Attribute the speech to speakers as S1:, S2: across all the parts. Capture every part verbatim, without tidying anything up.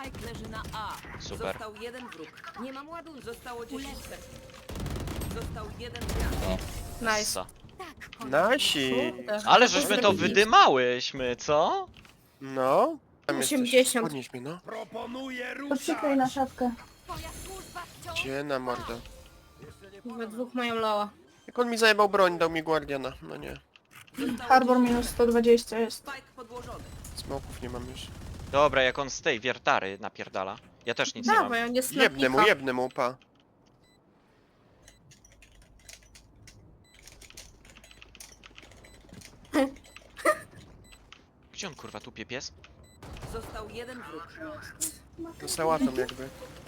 S1: Spike leży na A.
S2: Super.
S1: Został jeden wróg. Nie mam ładunku. Zostało dziesięć sekund. Został jeden gracz.
S3: Nice.
S2: Essa.
S4: Nasi.
S2: Ale żeśmy to wydymałyśmy, co?
S4: No. Tam jesteś.
S3: osiemdziesiąt.
S4: Podnieś mnie, no.
S5: Poczekaj na szafkę.
S4: Gdzie na mordę?
S3: We dwóch mają loa.
S4: Jak on mi zajebał broń, dał mi Guardiana. No nie.
S1: Zostało
S5: Harbor
S1: dziesięć.
S5: minus sto dwadzieścia jest.
S1: Spike podłożony.
S4: Smoków nie mam już.
S2: Dobra, jak on z tej wiertary napierdala. Ja też nic nie mam.
S3: Dawaj, on jest na
S4: Jebnę mu,
S3: pika.
S4: jebnę mu, pa.
S2: Gdzie on kurwa tupie pies?
S1: Został jeden wróg.
S4: To sałatą jakby.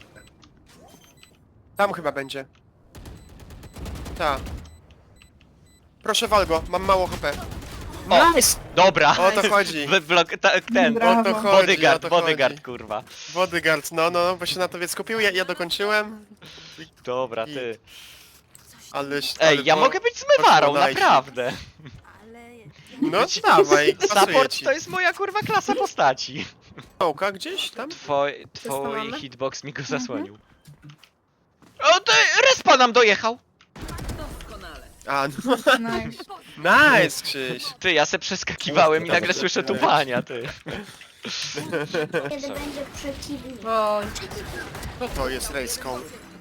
S4: Tam chyba będzie. Ta. Proszę wal go, mam mało H P.
S2: O!
S4: Nice!
S2: Dobra!
S4: O to chodzi.
S2: W blok, ta, ten,
S5: Brawo.
S4: O to chodzi,
S2: bodyguard,
S4: o to
S2: bodyguard
S4: chodzi.
S2: kurwa.
S4: Bodyguard, no, no, no, bo się na tobie skupił, ja, ja dokończyłem.
S2: Dobra,
S4: I-
S2: ty.
S4: Ale...
S2: Ej,
S4: ale
S2: ja
S4: po-
S2: mogę być zmywarą,
S4: poszło najsi.
S2: naprawdę.
S4: No dawaj, pasuje
S2: Support
S4: ci.
S2: to jest moja kurwa klasa postaci.
S4: Stołka gdzieś tam?
S2: Twoj,
S3: to
S2: twój
S3: mamy?
S2: hitbox mi go zasłonił. O ty, respa nam dojechał!
S1: Doskonale.
S4: A, no.
S5: Nice.
S4: Nice, Krzyś.
S2: Ty, ja se przeskakiwałem i nagle słyszę tupania, ty.
S6: Kiedy będzie przeciwnik.
S3: Oj,
S4: To jest rejską.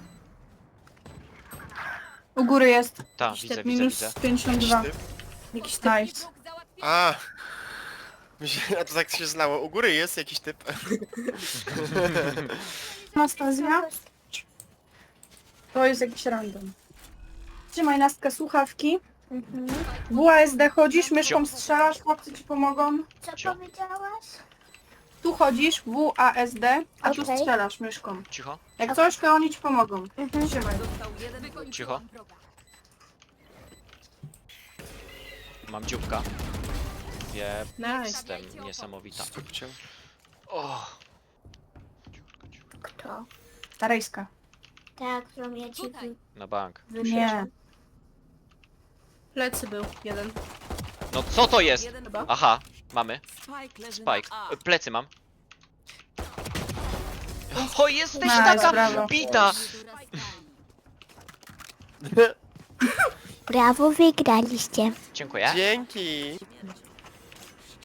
S5: U góry jest.
S2: Ta, widzę, widzę,
S5: Minus
S2: widzę.
S5: pięćdziesiąt dwa.
S3: jakiś typ.
S5: Nice.
S4: A. Myślę, a to tak się znało. U góry jest jakiś typ.
S5: Anastazja. To jest jakiś random. Trzymaj Nastka słuchawki.
S6: Mhm.
S5: W A S D chodzisz, myszką strzelasz, chłopcy ci pomogą.
S6: Co
S2: Cio.
S6: powiedziałaś?
S5: Tu chodzisz, W A S D, a tu
S6: Okej.
S5: strzelasz myszką.
S2: Cicho,
S5: Jak coś, to oni ci pomogą.
S6: Mhm.
S5: Trzymaj.
S1: Został jeden wróg.
S2: cicho. Mam dzióbka.
S3: Nice.
S2: Jestem niesamowita.
S4: Skupcie.
S2: O,
S6: Kto?
S5: Ta rejska.
S6: Tak, którą ja ci wy...
S2: na bank.
S5: Nie.
S3: Plecy był jeden.
S2: No co to jest?
S1: Jeden
S3: Chyba.
S1: wróg.
S2: Aha, mamy.
S1: Spike leży
S2: Spike.
S1: na A.
S2: E, Plecy mam. O, jesteś
S5: Nice,
S2: taka
S5: brawo.
S2: bita!
S6: Brawo, wygraliście.
S2: Dziękuję.
S4: Dzięki.